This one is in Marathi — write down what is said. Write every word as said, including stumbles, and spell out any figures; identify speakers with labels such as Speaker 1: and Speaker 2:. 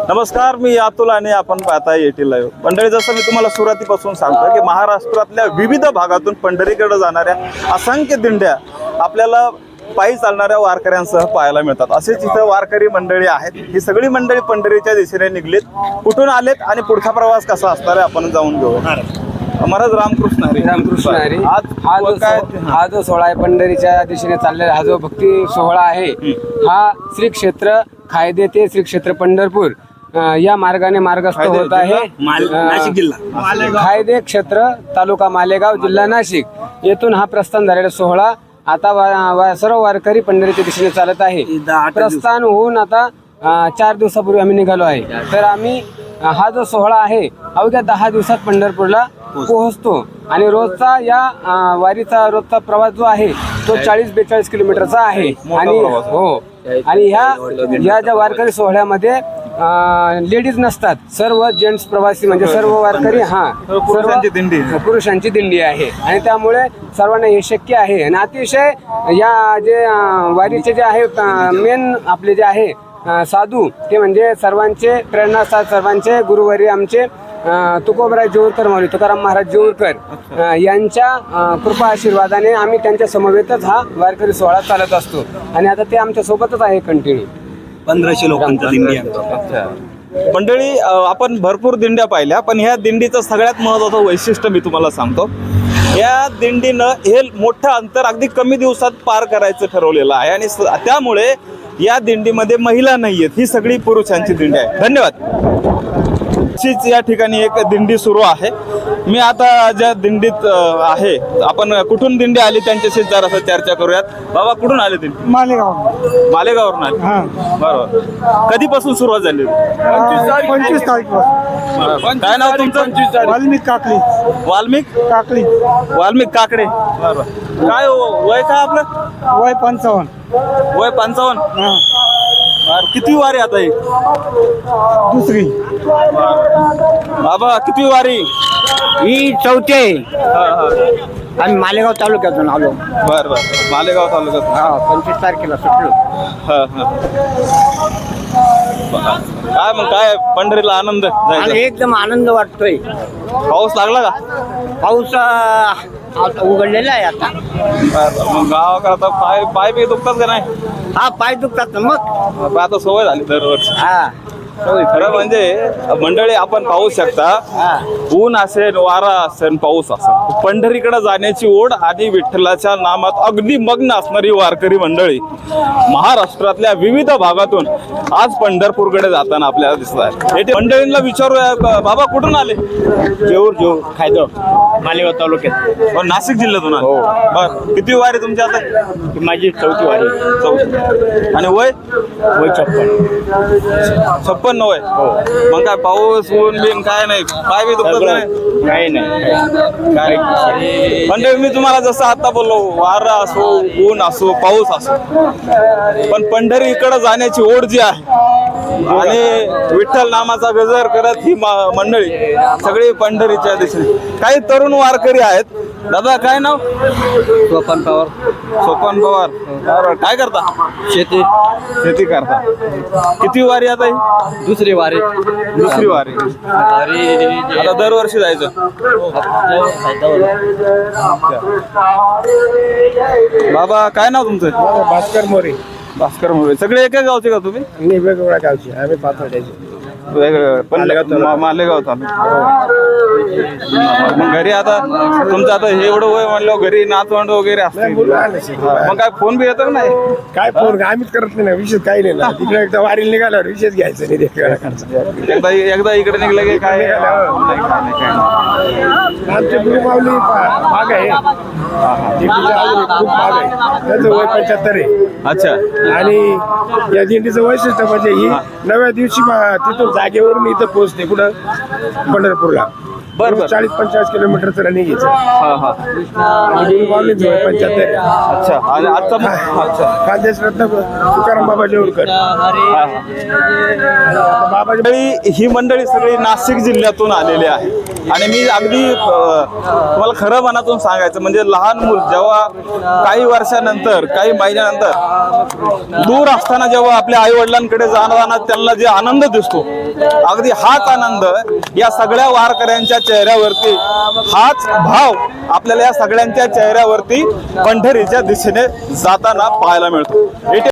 Speaker 1: नमस्कार, मी अतुल आणि आपण पाहताय एटी लाईव्ह. मंडळी, जसं मी तुम्हाला सुरुवातीपासून सांगतो की महाराष्ट्रातल्या विविध भागातून पंढरीकडे जाणाऱ्या असंख्य दिंड्या आपल्याला पायी चालणाऱ्या वारकऱ्यांसह पाहायला मिळतात. असेच इथं वारकरी मंडळी आहेत. ही सगळी मंडळी पंढरीच्या दिशेने निघलीत. कुठून आलेत आणि पुढचा प्रवास कसा असणार आहे आपण जाऊन घेऊ. महाराज रामकृष्ण हरी.
Speaker 2: रामकृष्ण हरी.
Speaker 1: आज
Speaker 2: हा जो
Speaker 1: काय
Speaker 2: हा जो सोहळा आहे पंढरीच्या दिशेने चाललेला, हा जो भक्ती सोहळा आहे, हा श्री क्षेत्र खायदे ते श्री क्षेत्र पंढरपूर अ, या मार्गाने मार्गस्थ होत आहे.
Speaker 3: नाशिक जिल्हा
Speaker 2: खायदे क्षेत्र तालुका मालेगाव जिल्हा नाशिक येथून हा प्रस्थान झालेला सोहळा आता वा, वा, सर्व वारकरी पंढरीच्या दिशेने चालत आहे. प्रस्थान होऊन आता अ, चार दिवसापूर्वी आम्ही निघालो आहे. तर आम्ही अ, हा जो सोहळा आहे अवघ्या दहा दिवसात पंढरपूरला पोहोचतो आणि रोजचा या अ, वारीचा रोजचा प्रवास जो आहे तो चाळीस बेचाळीस किलोमीटरचा आहे. आणि हो आणि ह्या या ज्या वारकरी सोहळ्यामध्ये लेडीज नसतात, सर्व जेंट्स प्रवासी म्हणजे सर्व वारकरी हा
Speaker 1: पुरुषांची दिंडी
Speaker 2: पुरुषांची दिंडी आहे. आणि त्यामुळे सर्वांना हे शक्य आहे. आणि अतिशय या जे अ, वारीचे जे आहे मेन आपले जे आहे अ, साधू ते म्हणजे सर्वांचे प्रेरणास्थान, सर्वांचे गुरुवारी आमचे अ, तुकोबराय जेऊरकर माऊली तुकाराम महाराज जेऊरकर अ, यांच्या अ, कृपा आशीर्वादाने आम्ही त्यांच्या समवेतच हा वारकरी सोहळा चालत असतो. आणि आता ते आमच्या सोबतच आहे कंटिन्यू.
Speaker 3: पंधराशे लोकांचा दिंडी आहे.
Speaker 1: मंडळी, अ, आपण भरपूर दिंड्या पाहिल्या, पण ह्या दिंडीचं सगळ्यात महत्त्वाचं वैशिष्ट्य मी तुम्हाला सांगतो. या दिंडीनं हे मोठं अंतर अगदी कमी दिवसात पार करायचं ठरवलेलं आहे आणि स- त्यामुळे या दिंडीमध्ये महिला नाही आहेत. ही सगळी पुरुषांची दिंडी आहे. धन्यवाद. अशीच या ठिकाणी एक दिंडी सुरू आहे. मी आता ज्या दिंडीत अ, आहे, आपण कुठून दिंडी आली त्यांच्याशी जरासं चर्चा करूयात. बाबा, कुठून आले दिंडी?
Speaker 4: मालेगाव.
Speaker 1: मालेगावरून आले.
Speaker 4: हा.
Speaker 1: बरोबर. कधीपासून सुरुवात झाली?
Speaker 4: पंचवीस तारीख
Speaker 1: बरं. काय नाव तुमचं?
Speaker 4: वाल्मिक काकली.
Speaker 1: वाल्मिक
Speaker 4: काकली.
Speaker 1: वाल्मिक काकडे. बरोबर. काय हो- वय काय आपलं?
Speaker 4: वय पंचावन्न.
Speaker 1: वय पंचावन्न.
Speaker 4: हा.
Speaker 1: बरं. किती वारी आता ही?
Speaker 4: दुसरी.
Speaker 1: बाबा, किती वारी?
Speaker 4: ही चौथी आहे.
Speaker 1: हा, हा.
Speaker 4: आम्ही मालेगाव तालुक्यातून आलो.
Speaker 1: बरं बरं. मालेगाव तालुक्यात.
Speaker 4: हा, पंचवीस तारखेला सुटलो.
Speaker 1: हा, हा. काय मग, काय पंढरीला आनंद
Speaker 4: आणि
Speaker 1: जायचा?
Speaker 4: एकदम आनंद वाटतोय.
Speaker 1: पाऊस लागला का?
Speaker 4: पाऊस अं, आता उघडलेला आहे आता.
Speaker 1: बरं. मग गावाकडे आता पाय पाय बी दुखतात का नाही?
Speaker 4: हा, पाय दुखतात ना मग.
Speaker 1: मग आता सवय झाली दरवर्षी.
Speaker 4: हा.
Speaker 1: खरं म्हणजे मंडळी, आपण पाहू शकता,
Speaker 4: हा.
Speaker 1: ऊन असेल, वारा असेल, पाऊस असेल, पंढरीकडे जाण्याची ओढ आणि विठ्ठलाच्या नामात अगदी मग्न असणारी वारकरी मंडळी महाराष्ट्रातल्या विविध भागातून आज पंढरपूरकडे जाताना आपल्याला दिसत आहे. येथे मंडळींना विचारूया, क- बाबा कुठून आले?
Speaker 4: जेऊर जेऊर खायदो मालेगाव तालुक्यात.
Speaker 1: हो, नाशिक जिल्ह्यातून आले. बर. किती वारी तुमची आता?
Speaker 4: माझी चौथी वारी.
Speaker 1: चौथी. आणि वय?
Speaker 4: वय छप्पन.
Speaker 1: छप्पन वय. मग काय पाऊस ऊन बिन काय नाही, पाय बी दुखत नाही?
Speaker 4: काही नाही.
Speaker 1: काय म्हणजे मी तुम्हाला जसं आता बोललो, वारा असो, ऊन असो, पाऊस असो, पण पंढरी इकडे जाण्याची ओढ जी आहे आणि विठ्ठल नामाचा गजर करत ही मा- मंडळी सगळी पंढरीच्या दिशेने. काही तरुण वारकरी आहेत. दादा, काय नाव?
Speaker 2: सोपान पवार.
Speaker 1: सोपान पवार. बरोबर. काय करता?
Speaker 2: शेती.
Speaker 1: शेती करता. किती वारी आता ही?
Speaker 2: दुसरी वारी.
Speaker 1: दुसरी वारी. आता दरवर्षी जायचं. बाबा, काय नाव तुमचं?
Speaker 4: भास्कर मोरे.
Speaker 1: भास्कर मोरे. सगळे एका गावचे का तुम्ही?
Speaker 4: मी वेगवेगळ्या गावची. आम्ही पाथर्ड्याचे.
Speaker 1: वेगवेगळे. पण मा- मालेगाव तालुका. मग घरी आता तुमचं आता हे एवढं वय म्हणलं, घरी नातवंड वगैरे असते, मग काय फोन बी येतो का नाही?
Speaker 4: काय फोन आम्हीच करत नाही ना, विशेष काही नाही ना. तिकडे एकदा वारीला निघाल्यावर विशेष घ्यायचं नाही देखील.
Speaker 1: एकदा एकदा इकडे निघलं की काय नाही, काय नाही, काय नाही.
Speaker 4: आमचे गुरुमाऊली माग आहे. दिंडीचं अजून एक खूप माग आहे. त्याचं वय पंच्याहत्तर आहे.
Speaker 1: अच्छा.
Speaker 4: आणि या दिंडीचं वैशिष्ट्य म्हणजे ही नव्या दिवशी मा- तिथून जागेवरून इथं पोहोचते. कुठं? पंढरपूरला.
Speaker 1: बरं, बरं.
Speaker 4: चाळीस पंचेचाळीस किलोमीटरचं रनिंग घ्यायचं.
Speaker 1: हा हा.
Speaker 4: आणि गुरुमाऊलीचं वय पंच्याहत्तर आहे.
Speaker 1: अच्छा. आणि आता मग- अच्छा.
Speaker 4: खानदेश रत्न तुकाराम बाबा जेऊरकर.
Speaker 1: हा, हा.
Speaker 4: आता बाबाजी
Speaker 1: मंडळी ही मंडळी सगळी नाशिक जिल्ह्यातून आलेली आहे आणि मी अगदी अ, तुम्हाला खरं मनातून सांगायचं म्हणजे लहान मूल जेव्हा काही वर्षानंतर काही महिन्यानंतर दूर असताना जेव्हा आपल्या आई वडिलांकडे जाताना त्यांना जे आनंद दिसतो अगदी हाच आनंद या सगळ्या वारकऱ्यांच्या चेहऱ्यावरती हाच भाव आपल्याला या सगळ्यांच्या चेहऱ्यावरती पंढरीच्या दिशेने जाताना पाहायला मिळतो.